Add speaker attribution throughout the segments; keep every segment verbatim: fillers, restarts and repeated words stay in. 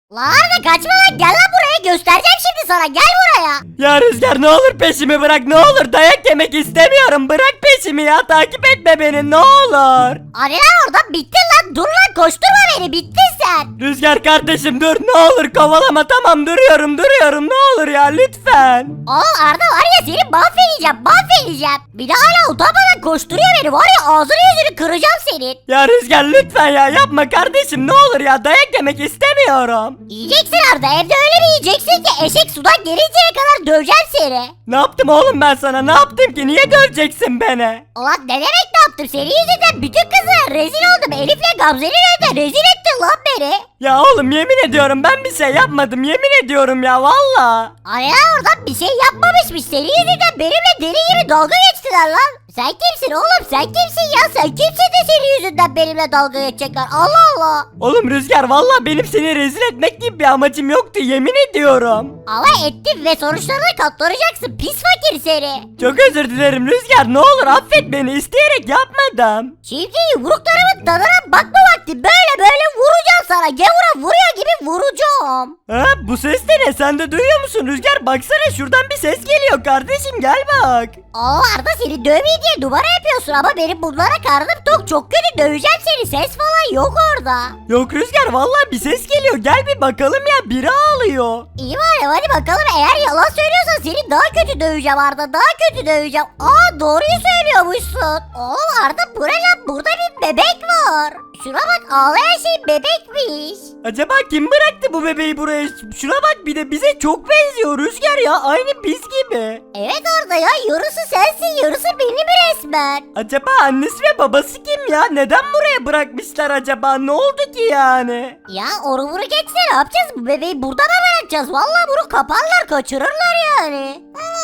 Speaker 1: La Arda kaçma lan, gel lan buraya, göstereceğim şimdi sana, gel buraya.
Speaker 2: Ya Rüzgar, ne olur peşimi bırak, ne olur, dayak yemek istemiyorum, bırak peşimi ya, takip etme beni ne olur.
Speaker 1: Hani lan orada, bittin lan, dur lan, koşturma beni, bittin sen.
Speaker 2: Rüzgar kardeşim dur, ne olur kovalama, tamam duruyorum duruyorum, ne olur ya lütfen.
Speaker 1: Oğlum Arda var ya, seni mahvedeceğim mahvedeceğim. Bir de hala utanmadan koşturuyor beni, var ya ağzını yüzünü kıracağım senin.
Speaker 2: Ya Rüzgar lütfen ya, yapma kardeşim, ne olur ya, dayak yemek istemiyorum.
Speaker 1: Yiyeceksin Arda, evde öyle bir yiyeceksin ki eşek sudan gelinceye kadar döveceğim seni.
Speaker 2: Ne yaptım oğlum ben sana, ne yaptım ki, niye döveceksin beni?
Speaker 1: Ulan ne demek ne yaptım, senin yüzünden bütün kızlara rezil oldum. Elif'le Gamze'nin önünde rezil ettin lan beni.
Speaker 2: Ya oğlum yemin ediyorum ben bir şey yapmadım, yemin ediyorum ya valla.
Speaker 1: Hani lan oradan bir şey yapmamışmış, senin yüzünden benimle deli gibi dalga geçtiler lan. Sen kimsin oğlum, sen kimsin ya, sen kimsin de senin yüzünden benimle dalga geçecekler, Allah Allah.
Speaker 2: Oğlum Rüzgar valla benim seni rezil etmek gibi bir amacım yoktu, yemin ediyorum.
Speaker 1: Ama ettin ve sonuçlarına katlanacaksın, pis fakir seni.
Speaker 2: Çok özür dilerim Rüzgar, ne olur affet beni, isteyerek yapmadım.
Speaker 1: Şimdi yumruklarımın tadına bakma vakti, böyle böyle vuracağım sana, gavura vuruyor gibi vuracağım.
Speaker 2: Ha, bu ses de ne, sen de duyuyor musun Rüzgar, baksana şuradan bir ses geliyor kardeşim, gel bak.
Speaker 1: Aa Arda, seni dövmeyeyim diye numara yapıyorsun ama benim bunlara karnım tok, çok kötü döveceğim seni, ses falan yok orada.
Speaker 2: Yok Rüzgar vallahi bir ses geliyor, gel bir bakalım ya, biri ağlıyor.
Speaker 1: İyi var ya, hadi bakalım, eğer yalan söylüyorsan seni daha kötü döveceğim Arda, daha kötü döveceğim. Aa doğruyu söylüyormuşsun. Oğlum Arda, bu ne lan, burada bir bebek var. Şuna bak, ağlayan şey bebekmiş.
Speaker 2: Acaba kim bıraktı bu bebeği buraya? Şuna bak, bir de bize çok benziyor Rüzgar ya, aynı biz gibi.
Speaker 1: Evet Arda ya, yarısı sensin yarısı benim resmen.
Speaker 2: Acaba annesi ve babası kim ya? Neden buraya bırakmışlar acaba? Ne oldu ki yani?
Speaker 1: Ya onu bunu geçse ne yapacağız, bu bebeği burada mı bırakacağız? Vallahi bunu kaparlar, kaçırırlar yani.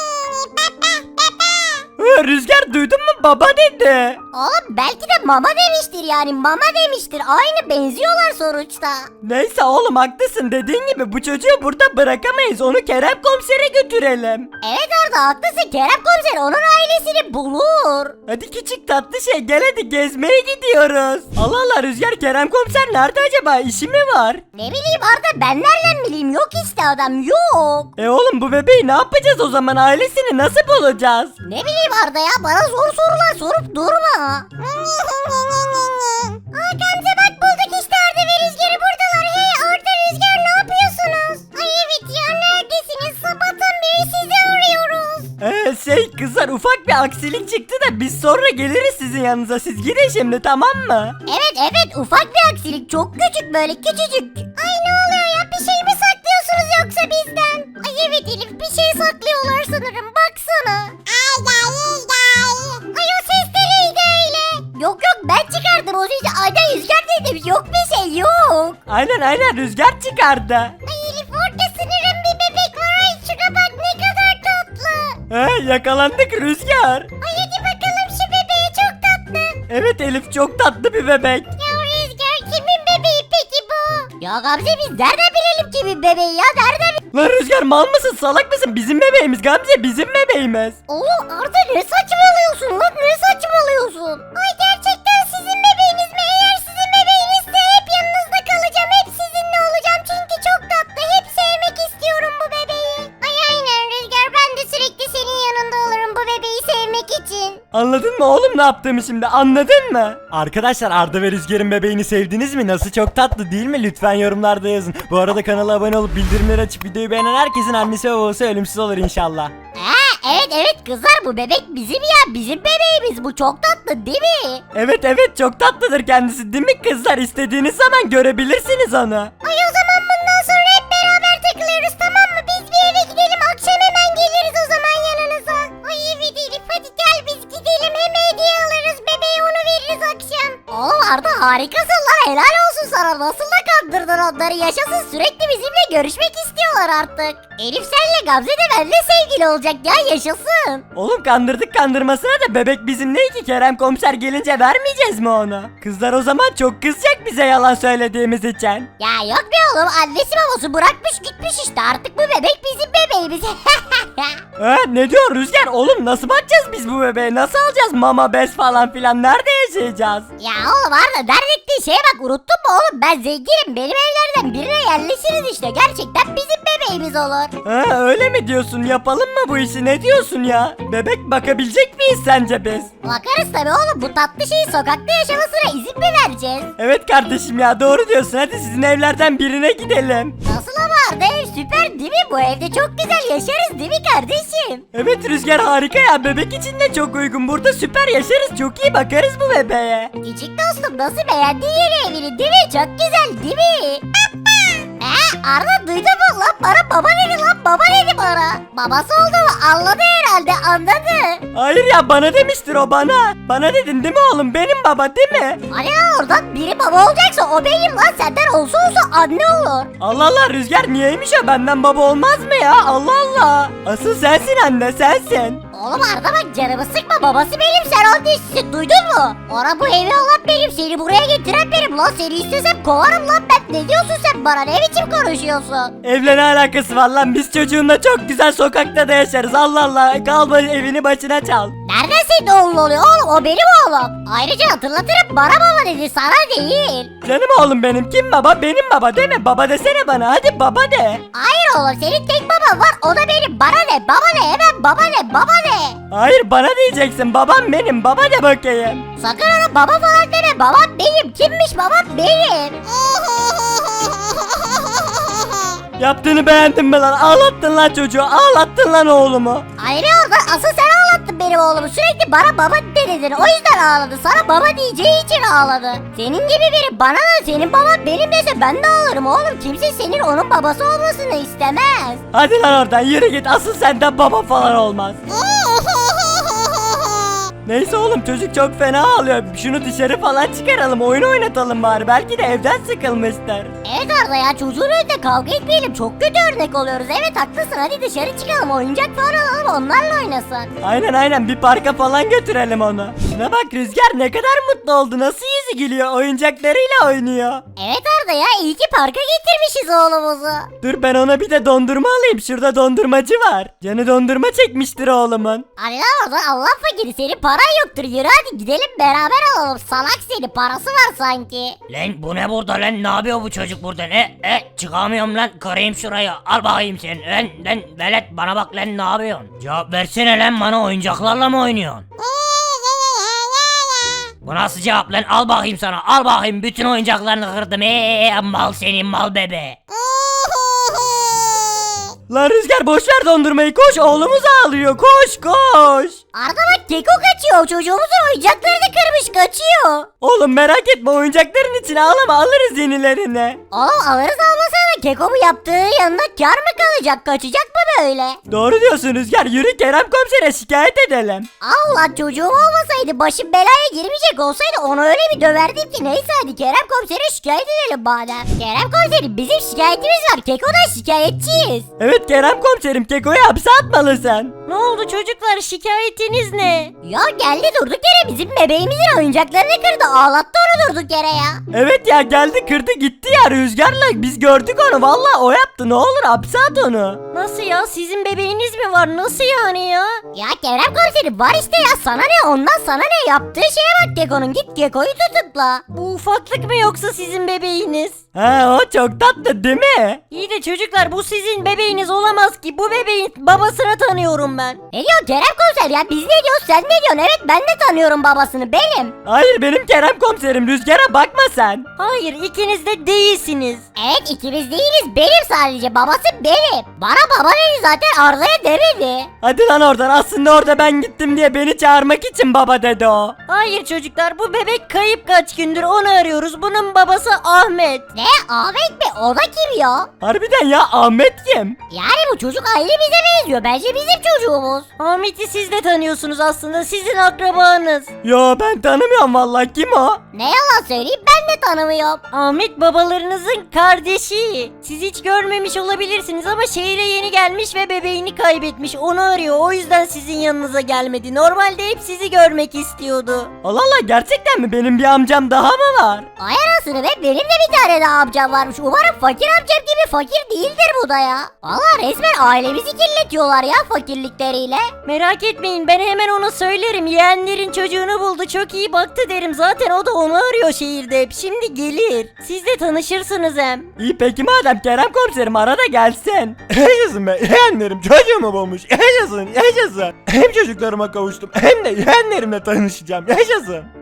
Speaker 2: Hı, Rüzgar duydun mu? Baba dedi.
Speaker 1: Oğlum belki de mama demiştir, yani mama demiştir, aynı benziyorlar sonuçta.
Speaker 2: Neyse oğlum haklısın, dediğin gibi bu çocuğu burada bırakamayız. Onu Kerem komisere götürelim.
Speaker 1: Evet Arda, haklısın, Kerem komiser onun ailesini bulur.
Speaker 2: Hadi küçük tatlı şey, gel hadi gezmeye gidiyoruz. Allah Allah Rüzgar, Kerem komiser nerede acaba? İşi mi var?
Speaker 1: Ne bileyim Arda, ben nereden bileyim, yok işte adam, yok.
Speaker 2: E oğlum bu bebeği ne yapacağız o zaman? Ailesini nasıl bulacağız?
Speaker 1: Ne bileyim Arda ya, bana zor sorular sorup durma. Aa Gamze bak, bulduk işte, Arda ve Rüzgar'ı buradalar. Hey Arda, Rüzgar, ne yapıyorsunuz? Ay evet ya, neredesiniz? Sabahtan beri sizi arıyoruz.
Speaker 2: Ee, şey kızlar, ufak bir aksilik çıktı da biz sonra geliriz sizin yanınıza, siz gidin şimdi, tamam mı?
Speaker 1: Evet evet, ufak bir aksilik, çok küçük, böyle küçücük. Ay ne oluyor ya, bir şey mi saklıyorsunuz yoksa bizden? Ay evet Elif, bir şey saklıyorlar sanırım, baksana. Ay gel gel. Ay o ses de neydi öyle? Yok yok, ben çıkardım o sesi. Ayda Rüzgar dedim, yok bir şey yok.
Speaker 2: Aynen aynen, Rüzgar çıkardı.
Speaker 1: Ay Elif, orada sanırım bir bebek var. Ay şuna bak, ne kadar tatlı.
Speaker 2: He, yakalandık Rüzgar.
Speaker 1: Ay hadi bakalım şu bebeğe, çok tatlı.
Speaker 2: Evet Elif, çok tatlı bir bebek.
Speaker 1: Ya Rüzgar, kimin bebeği peki bu? Ya Gamze, biz nereden bilelim kimin bebeği ya, nereden bi-
Speaker 2: Lan Rüzgar, mal mısın, salak mısın? Bizim bebeğimiz Gamze, bizim bebeğimiz.
Speaker 1: Oğlum Arda, ne saçmalıyorsun lan, ne saçmalıyorsun? Ay gerçekten sizin bebeğiniz mi? Eğer sizin bebeğinizse hep yanınızda kalacağım, hep sizinle olacağım çünkü çok tatlı, hep sevmek istiyorum bu bebeği. Ay aynen Rüzgar, ben de sürekli senin yanında olurum bu bebeği sevmek için.
Speaker 2: Anladın mı oğlum ne yaptığımı şimdi, anladın mı? Arkadaşlar, Arda ve Rüzgar'ın bebeğini sevdiniz mi? Nasıl, çok tatlı değil mi? Lütfen yorumlarda yazın. Bu arada kanala abone olup bildirimleri açıp videoyu beğenen herkesin annesi ve babası ölümsüz olur inşallah.
Speaker 1: Ha evet evet kızlar, bu bebek bizim ya, bizim bebeğimiz, bu çok tatlı değil mi?
Speaker 2: Evet evet, çok tatlıdır kendisi değil mi kızlar? İstediğiniz zaman görebilirsiniz onu.
Speaker 1: Ay o zaman bundan sonra hep beraber takılıyoruz, tamam mı? Biz bir eve gidelim, akşam hemen geliriz o zaman yanınıza. Ay evet Elif, hadi gel biz gidelim, hem hediye alırız, bebeğe onu veririz akşam. Oğlum Arda, harikasın lan, helal olsun sana, nasıl da kandırdın onları, yaşasın, sürekli bizimle görüşmek istiyorlar artık. Elif senle Gamze de benimle sevgili olacak ya, yaşasın.
Speaker 2: Oğlum kandırdık kandırmasına da, bebek bizim değil ki, Kerem komiser gelince vermeyeceğiz mi onu? Kızlar o zaman çok kızacak bize yalan söylediğimiz için.
Speaker 1: Ya yok be oğlum, annesi babası bırakmış gitmiş işte, artık bu bebek bizim bebeğimiz.
Speaker 2: Ha, ne diyor Rüzgar? Oğlum nasıl bakacağız biz bu bebeğe? Nasıl alacağız mama, bez falan filan? Nerede yaşayacağız?
Speaker 1: Ya oğlum Arda, dert ettiğin şeye bak, unuttun mu oğlum, ben zenginim, benim benim evlerden birine yerleşiriz işte. Gerçekten bizim bebeğimiz olur.
Speaker 2: Ha, öyle mi diyorsun? Yapalım mı bu işi? Ne diyorsun ya? Bebek bakabilecek miyiz sence biz?
Speaker 1: Bakarız tabii oğlum, bu tatlı şeyin sokakta yaşamasına izin mi vereceğiz?
Speaker 2: Evet kardeşim ya, doğru diyorsun. Hadi sizin evlerden birine gidelim.
Speaker 1: Nasıl ama Arda, ev süper değil mi? Bu evde çok güzel yaşarız değil mi kardeşim?
Speaker 2: Evet Rüzgar, harika ya. Bebek için de çok uygun. Burada süper yaşarız. Çok iyi bakarız bu bebeğe.
Speaker 1: Küçük dostum, nasıl beğendin yeni evini değil mi? Çok güzel değil mi? Ee, Arda duydun mu lan, bana baba dedi lan, baba dedi bana. Babası olduğumu anladı herhalde, anladı.
Speaker 2: Hayır ya, bana demiştir o, bana. Bana dedin değil mi oğlum? Benim baba değil mi?
Speaker 1: Hani lan oradan biri baba olacaksa o benim lan, senden olsa olsa anne olur.
Speaker 2: Allah Allah Rüzgar, niyeymiş o? Benden baba olmaz mı ya? Allah Allah. Asıl sensin anne, sensin.
Speaker 1: Oğlum Arda bak, canımı sıkma, babası benim, sen onun değilsin, duydun mu? Ona bu evi alan benim, seni buraya getiren benim lan, seni istesem kovarım lan ben. Ne diyorsun sen bana, ne biçim konuşuyorsun?
Speaker 2: Evle ne alakası var lan? Biz çocuğunla çok güzel sokakta da yaşarız. Allah Allah. Kalma, evini başına çal.
Speaker 1: Nereden senin oğlun oluyor oğlum, o benim oğlum. Ayrıca hatırlatırım, bana baba dedi, sana değil.
Speaker 2: Canım oğlum benim. Kim baba? Benim baba değil mi? Baba desene bana. Hadi baba de.
Speaker 1: Hayır oğlum, senin tek baban var, o da benim. Bana ne, baba ne, hemen baba ne, baba ne?
Speaker 2: Hayır, bana diyeceksin. Babam benim. Baba de bakayım.
Speaker 1: Sakın ona baba falan deme, babam benim. Kimmiş babam benim?
Speaker 2: Yaptığını beğendin mi lan? Ağlattın lan çocuğu. Ağlattın lan oğlumu.
Speaker 1: Ayrı oradan, asıl sen ağlattın benim oğlumu. Sürekli bana baba dedin, o yüzden ağladı. Sana baba diyeceği için ağladı. Senin gibi biri bana da senin baban benim dese ben de ağlarım oğlum. Kimse senin onun babası olmasını istemez.
Speaker 2: Hadi lan oradan yürü git. Asıl senden baba falan olmaz. Neyse oğlum, çocuk çok fena ağlıyor. Şunu dışarı falan çıkaralım. Oyun oynatalım bari. Belki de evden sıkılmıştır.
Speaker 1: Evet Arda ya, çocuğun önünde kavga etmeyelim, çok kötü örnek oluyoruz. Evet haklısın, hadi dışarı çıkalım, oyuncak falan alalım, onlarla oynasın.
Speaker 2: Aynen aynen, bir parka falan götürelim onu. Şuna bak Rüzgar, ne kadar mutlu oldu. Nasıl yüzü gülüyor, oyuncaklarıyla oynuyor.
Speaker 1: Evet Arda ya, iyi ki parka getirmişiz oğlumuzu.
Speaker 2: Dur, ben ona bir de dondurma alayım. Şurada dondurmacı var. Canı dondurma çekmiştir oğlumun.
Speaker 1: Hadi lan oradan, Allah fakiri, senin paran yoktur, yürü hadi gidelim beraber alalım. Salak seni, parası var sanki.
Speaker 3: Lan bu ne burada lan, ne yapıyor bu çocuk burada, ne e çıkamıyorum lan, kırayım şurayı, al bakayım sen lan lan velet, bana bak lan, ne yapıyorsun, cevap versene lan, bana oyuncaklarla mı oynuyorsun? Bu nasıl cevap lan, al bakayım sana, al bakayım, bütün oyuncaklarını kırdım, eee mal senin mal bebe.
Speaker 2: Lan Rüzgar, boş ver dondurmayı, koş, oğlumuz ağlıyor, koş koş.
Speaker 1: Arda bak, Keko kaçıyor, çocuğumuzun oyuncaklarını kırmış, kaçıyor.
Speaker 2: Oğlum merak etme, oyuncakların içine ağlama, alırız yenilerini.
Speaker 1: Oğlum alırız almasana, Keko bu yaptığı yanına kar mı kalacak, kaçacak mı böyle?
Speaker 2: Doğru diyorsun Rüzgar, yürü Kerem komisere şikayet edelim.
Speaker 1: Allah, çocuğum olmasaydı, başım belaya girmeyecek olsaydı onu öyle bir döverdim ki. Neyse hadi Kerem komisere şikayet edelim madem. Kerem komiserim, bizim şikayetimiz var, Keko'dan şikayetçiyiz.
Speaker 2: Evet Kerem komiserim, Keko'yu hapse atmalısın.
Speaker 1: Ne oldu çocuklar, şikayetiniz ne? Ya geldi durduk yere bizim bebeğimizin oyuncaklarını kırdı, ağlattı onu durduk yere ya.
Speaker 2: Evet ya, geldi kırdı gitti ya Rüzgar'la, biz gördük onu, vallahi o yaptı, ne olur hapse at onu.
Speaker 1: Nasıl ya, sizin bebeğiniz mi var, nasıl yani ya? Ya Kerem komiserim, var işte ya, sana ne ondan, sana ne, yaptığı şeye bak Keko'nun, git Keko'yu tutukla. Bu ufaklık mı yoksa sizin bebeğiniz?
Speaker 2: Ha, o çok tatlı değil mi?
Speaker 1: İyi de çocuklar, bu sizin bebeğiniz olamaz ki, bu bebeğin babasını tanıyorum ben. Ne diyor Kerem komiser ya, biz ne diyoruz sen ne diyorsun? Evet, ben de tanıyorum babasını, benim.
Speaker 2: Hayır, benim Kerem komiserim, Rüzgar'a bakma sen.
Speaker 1: Hayır, ikiniz de değilsiniz. Evet, ikimiz değiliz, benim sadece, babası benim. Bana baba dedi zaten, Arda'ya demedi.
Speaker 2: Hadi lan oradan, aslında orada ben gittim diye beni çağırmak için baba dedi o.
Speaker 1: Hayır çocuklar, bu bebek kayıp, kaç gündür onu arıyoruz, bunun babası Ahmet. Ne, Ahmet mi? O da kim ya?
Speaker 2: Harbiden ya, Ahmet kim?
Speaker 1: Yani bu çocuk ailemize benziyor, bence bizim çocuğumuz. Ahmet'i siz de tanıyorsunuz aslında, sizin akrabanız.
Speaker 2: Yo, ben tanımıyorum vallahi, kim o?
Speaker 1: Ne yalan söyleyeyim, ben de tanımıyorum. Ahmet babalarınızın kardeşi. Siz hiç görmemiş olabilirsiniz ama şehire yeni gelmiş ve bebeğini kaybetmiş. Onu arıyor, o yüzden sizin yanınıza gelmedi. Normalde hep sizi görmek istiyordu.
Speaker 2: Allah Allah, gerçekten mi? Benim bir amcam daha mı var?
Speaker 1: Ay anasını be, benim de bir tane daha amcam varmış. Umarım fakir amcam gibi fakir değildir bu da ya. Valla resmen ailemizi kirletiyorlar ya fakirlikleriyle. Merak etmeyin.
Speaker 4: etmeyin, ben hemen ona söylerim. Yeğenlerin çocuğunu buldu, çok iyi baktı derim. Zaten o da onu arıyor şehirde hep. Şimdi gelir. Siz de tanışırsınız hem.
Speaker 2: İyi peki madem Kerem komiserim ara da gelsin. Yaşasın be yeğenlerim çocuğumu bulmuş. Yaşasın yaşasın. Hem çocuklarıma kavuştum hem de yeğenlerimle tanışacağım. Yaşasın.